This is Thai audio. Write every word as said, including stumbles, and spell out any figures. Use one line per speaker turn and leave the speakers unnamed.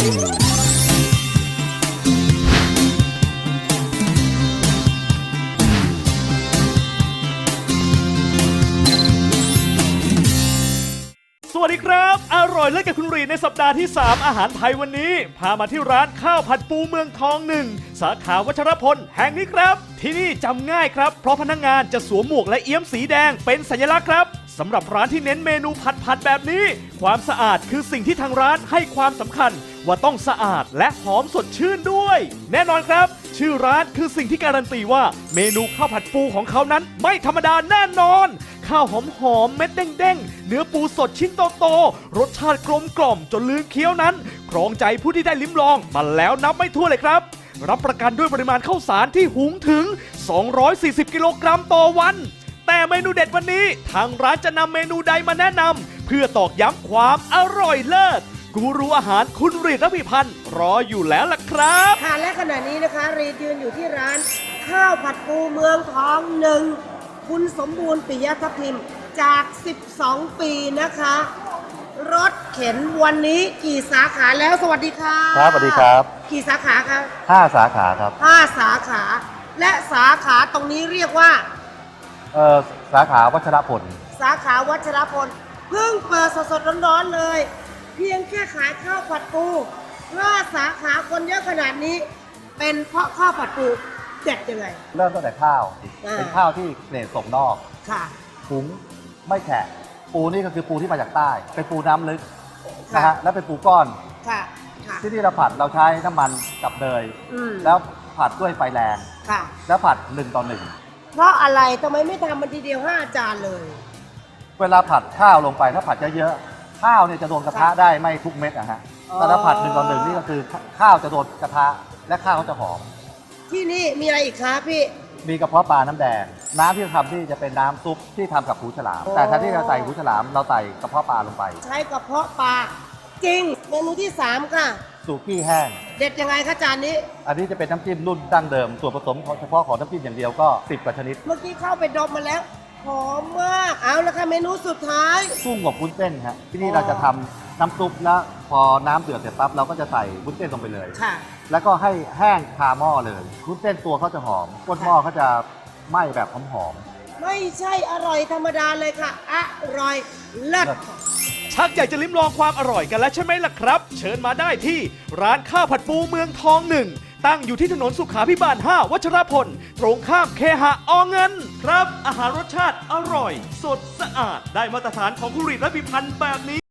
สวัสดีครับอร่อยเลิศกับคุณรีในสัปดาห์ที่สามอาหารไทยวันนี้พามาที่ร้านข้าวผัดปูเมืองทองหนึ่งสาขาวัชรพลแห่งนี้ครับที่นี่จำง่ายครับเพราะพนักงานจะสวมหมวกและเอี้ยมสีแดงเป็นสัญลักษณ์ครับสำหรับร้านที่เน้นเมนูผัดผัดแบบนี้ความสะอาดคือสิ่งที่ทางร้านให้ความสำคัญว่าต้องสะอาดและหอมสดชื่นด้วยแน่นอนครับชื่อร้านคือสิ่งที่การันตีว่าเมนูข้าวผัดปูของเขานั้นไม่ธรรมดาแน่นอนข้าวหอมหอมเม็ดเด้งๆเนื้อปูสดชิ้นโตๆรสชาติกลมกล่อมจนลืมเคี้ยวนั้นครองใจผู้ที่ได้ลิ้มลองมาแล้วนับไม่ถ้วนเลยครับรับประกันด้วยปริมาณข้าวสารที่หุงถึงสองร้อยสี่สิบกิโลกรัมต่อวันแต่เมนูเด็ดวันนี้ทางร้านจะนำเมนูใดมาแนะนำเพื่อตอกย้ำความอร่อยเลิศกูรูอาหารคุณรีดระพีพันธ์รออยู่แล้วล่ะครับ
ค่ะและขณะนี้นะคะรีดยืนอยู่ที่ร้านข้าวผัดปูเมืองทองหนึ่งคุณสมบูรณ์ปิยทัพทิมจากสิบสองปีนะคะรถเข็นวันนี้กี่สาขาแล้วสวัสดีค่ะ
ครับสวัสดีครับ
กี่สาขาคะ
ห้าสาขาครับ
ห้าสาขาและสาขาตรงนี้เรียกว่า
เอ่อสาขาวัชรพล
สาขาวัชรพลเพิ่งเปิดสดๆร้อนๆเลยเพียงแค่ขายข้าวผัดปูห้าสาขาคนเยอะขนาดนี้เป็นเพราะข้าวผัดปูเด็ดยังไง
เริ่มตั้งแต่ข้าวเป็นข้าวที่เกรดส่งนอก
ค่ะ
หุงไม่แฉะปูนี่ก็คือปูที่มาจากใต้เป็นปูน้ำลึกนะฮะแล้วเป็นปูก้อน
ค่ะ
ที่ที่เราผัดเราใช้น้ำมันกับเนยแล้วผัดด้วยไฟแรง
ค่ะ
แล้วผัดหนึ่งต่อหนึ่ง
เพราะอะไรทำไมไม่ทำมันทีเดียวห้าจานเลย
เวลาผัดข้าวลงไปถ้าผัดเยอะๆข้าวเนี่ยจะโดนกระทะได้ไม่ทุกเม็ดนะฮะแต่ถ้าผัดหนึ่งต่อหนึ่งนี่ก็คือข้าวจะโดนกระทะและข้าวก็จะหอม
ที่นี่มีอะไรอีกคะพี่
มีกระเพาะปลาน้ำแดงน้ำที่เราทำที่จะเป็นน้ำซุปที่ทำกับหูฉลามแต่ถ้าที่เราใส่หูฉลามเราใส่กระเพาะปลาลงไป
ใช้กระเพาะปลาจริงเมนูที่สามค่ะ
สุกี้แห้ง
เด็ดยังไงคะจานนี้
อันนี้จะเป็นน้ำจิ้มรุ่นดั้งเดิมส่วนผสมเฉพาะของน้ำจิ้มอย่างเดียวก็สิบกว่าชนิด
เมื่อกี้เข้าไปดมมาแล้วหอมมากเอาละค่ะเมนูสุดท้าย
กุ้งกับวุ้นเส้นครับที่นี่เราจะทำน้ำซุปแล้วพอน้ำเดือดเสร็จปั๊บเราก็จะใส่วุ้นเส้นลงไปเลย
ค่ะ
แล้วก็ให้แห้งคาหม้อเลยวุ้นเส้นตัวเขาจะหอมก้นหม้อเขาจะไหม้แบบหอม
ๆไม่ใช่อร่อยธรรมดาเลยค่ะอร่อยเลิศ
ชักอยากจะลิ้มลองความอร่อยกันแล้วใช่ไหมล่ะครับเชิญมาได้ที่ร้านข้าวผัดปูเมืองทองหนึ่งตั้งอยู่ที่ถนนสุขาภิบาลห้าวัชรพลตรงข้ามเคหะอเงินครับอาหารรสชาติอร่อยสดสะอาดได้มาตรฐานของคุณรีดระพีพันธ์แบบนี้